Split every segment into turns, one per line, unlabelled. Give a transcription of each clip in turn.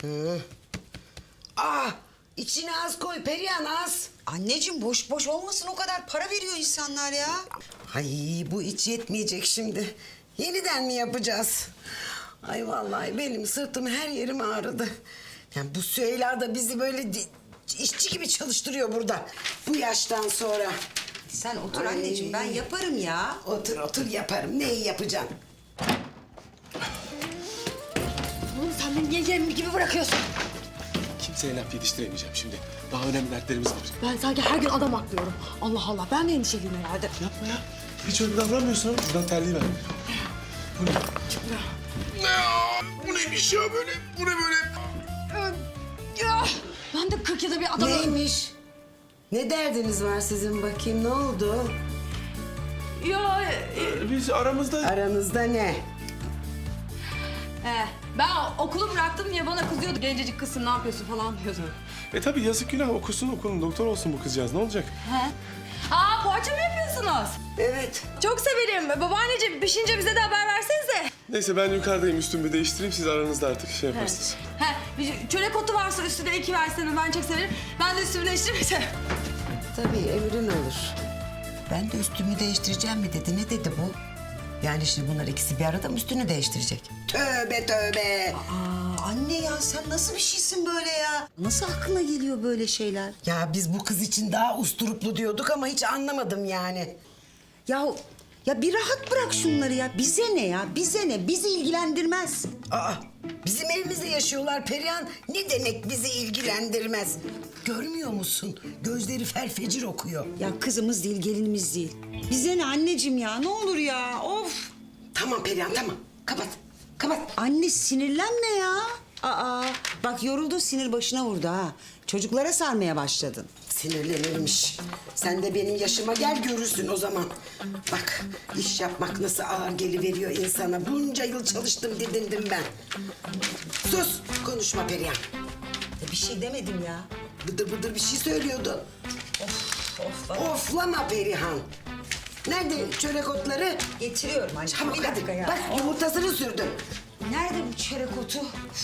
İçine az koy Perihan, az.
Anneciğim boş boş olmasın, o kadar para veriyor insanlar ya.
Ay bu iç yetmeyecek şimdi. Yeniden mi yapacağız? Ay vallahi benim sırtım, her yerim ağrıdı. Yani bu Süheyla da bizi böyle işçi gibi çalıştırıyor burada. Bu yaştan sonra.
Sen otur
Ay.
anneciğim, ben yaparım ya.
Otur otur, yaparım. Neyi yapacağım?
Oğlum sen beni niye yem gibi bırakıyorsun?
Kimseye laf yetiştiremeyeceğim şimdi. Daha önemli dertlerimiz var.
Ben sanki her gün adam aklıyorum. Allah Allah, ben de endişeliyim herhalde.
Yapma ya. Hiç öyle davranmıyorsun ama buradan terliği ver. Bu ne? Bu neymiş ya böyle? Bu ne böyle?
Ya, ben de 40 yılda bir adamım.
Neymiş? Ne derdiniz var sizin bakayım, ne oldu?
Ya,
Biz aramızda...
Aranızda ne?
ben okulu bıraktım diye bana kızıyordu. Gencecik kızsın, ne yapıyorsun falan diyordu.
tabii yazık günah. Okusun okulun. Doktor olsun bu kızcağız. Ne olacak?
He? Aa, poğaça mı yapıyorsunuz?
Evet.
Çok severim. Babaanneciğim pişince bize de haber versenize.
Neyse ben yukarıdayım. Üstümü değiştireyim. Siz aranızda artık şey yaparsınız.
He, bir çörek otu varsa üstüne 2 versene, ben çok severim. Ben de üstümü değiştirmeyeceğim.
Tabii emrin olur. Ben de üstümü değiştireceğim mi dedi. Ne dedi bu? Yani şimdi bunlar ikisi bir arada mı üstünü değiştirecek? Tövbe tövbe.
Anne ya, sen nasıl bir şeysin böyle ya? Nasıl aklına geliyor böyle şeyler?
Ya biz bu kız için daha usturuplu diyorduk ama hiç anlamadım yani.
Ya bir rahat bırak şunları ya. Bize ne ya? Bize ne? Bizi ilgilendirmez.
Bizim evimizde yaşıyorlar Perihan. Ne demek bizi ilgilendirmez? Görmüyor musun? Gözleri felfecir okuyor.
Ya kızımız değil, gelinimiz değil. Bize ne anneciğim ya? Ne olur ya? Of!
Tamam Perihan, tamam. Kapat, kapat.
Anne sinirlenme ya. Bak yoruldu, sinir başına vurdu ha. Çocuklara sarmaya başladın.
Sinirlenirmiş. Sen de benim yaşıma gel, görürsün o zaman. Bak, iş yapmak nasıl ağır geliveriyor insana. Bunca yıl çalıştım, didindim ben. Sus, konuşma Perihan.
Bir şey demedim ya.
Bıdır bıdır bir şey söylüyordu. Oflama Perihan. Nerede çörek otları?
Getiriyorum anne.
Çabuk
Bir
hadi.
dakika ya.
Bak yumurtasını sürdüm.
Nerede bu çörek otu?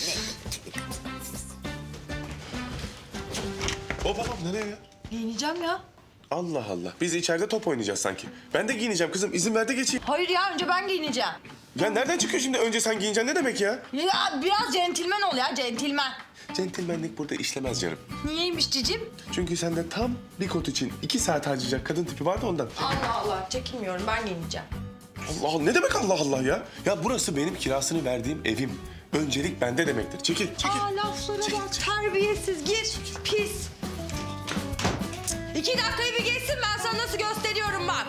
Babam nereye ya?
Giyineceğim ya.
Allah Allah. Biz içeride top oynayacağız sanki. Ben de giyineceğim kızım. İzin ver de geçeyim.
Hayır ya, önce ben giyineceğim.
Ya nereden çıkıyor şimdi? Önce sen giyineceksin. Ne demek ya?
Ya biraz centilmen ol ya, centilmen.
Centilmenlik burada işlemez canım.
Niyeymiş cicim?
Çünkü sende tam bir kot için 2 saat harcayacak kadın tipi vardı ondan.
Allah Allah, çekinmiyorum, ben giyineceğim.
Allah Allah. Ne demek Allah Allah ya? Ya burası benim kirasını verdiğim evim. Öncelik bende demektir. Çekil, çekil.
Laflara
Çekil,
bak,
çekil.
terbiyesiz, gir, pis. 2 dakikayı bir geçsin, ben sana nasıl gösteriyorum bak.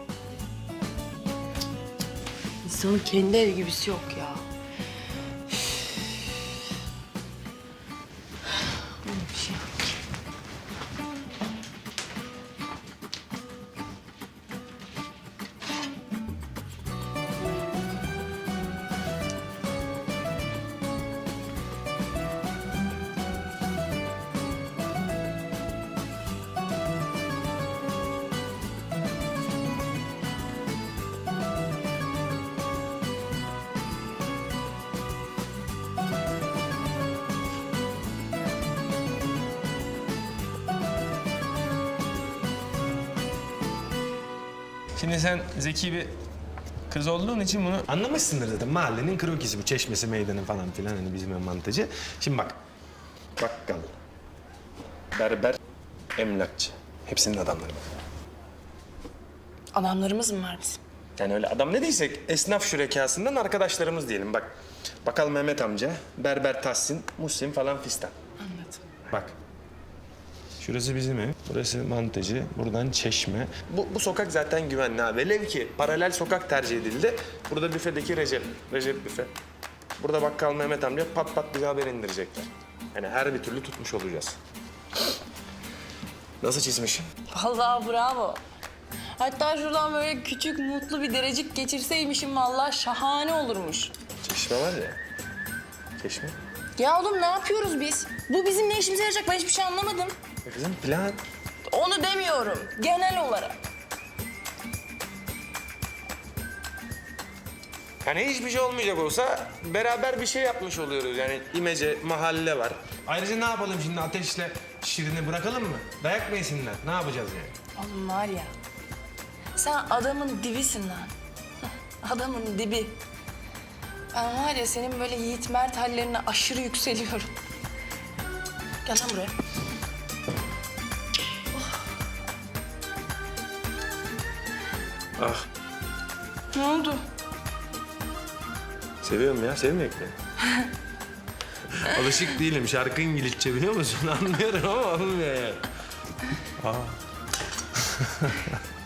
İnsanın kendi evi gibisi yok ya. Bir şey.
Şimdi sen zeki bir kız olduğun için bunu...
Anlamışsındır zaten, mahallenin krokisi bu, çeşmesi, meydanı falan filan, hani bizim mantıcı. Şimdi bak, bakkal, berber, emlakçı, hepsinin adamları var.
Adamlarımız mı var bizim?
Yani öyle adam ne diysek, esnaf şürekasından arkadaşlarımız diyelim. Bak, bakkal Mehmet amca, berber Tahsin, Muhsin falan fistan.
Anladım.
Bak, şurası bizim ev, burası mantıcı, buradan çeşme. Bu sokak zaten güvenli ha. Velev ki paralel sokak tercih edildi. Burada büfedeki Recep büfe. Burada bakkal Mehmet amca pat pat bize haber indirecekler. Yani her bir türlü tutmuş olacağız. Nasıl çizmişim?
Vallahi bravo. Hatta şuradan böyle küçük mutlu bir derecik geçirseymişim vallahi şahane olurmuş.
Çeşme var ya. Çeşme.
Ya oğlum ne yapıyoruz biz? Bu bizim ne işimize yarayacak, ben hiçbir şey anlamadım.
Kızım plan.
Onu demiyorum, genel olarak.
Yani hiçbir şey olmayacak olsa beraber bir şey yapmış oluyoruz. Yani imece mahalle var.
Ayrıca ne yapalım şimdi Ateş'le Şirin'i bırakalım mı? Dayak mı yesinler? Ne yapacağız yani?
Oğlum var ya, sen adamın dibisin lan. Adamın dibi. Ben var ya senin böyle Yiğit Mert hallerine aşırı yükseliyorum. Gel lan buraya.
Ah,
Ne oldu?
seviyorum ya, sevmeyek mi? Alışık değilim. Şarkı İngilizce biliyor musun? Anlıyorum ama olmuyor yani.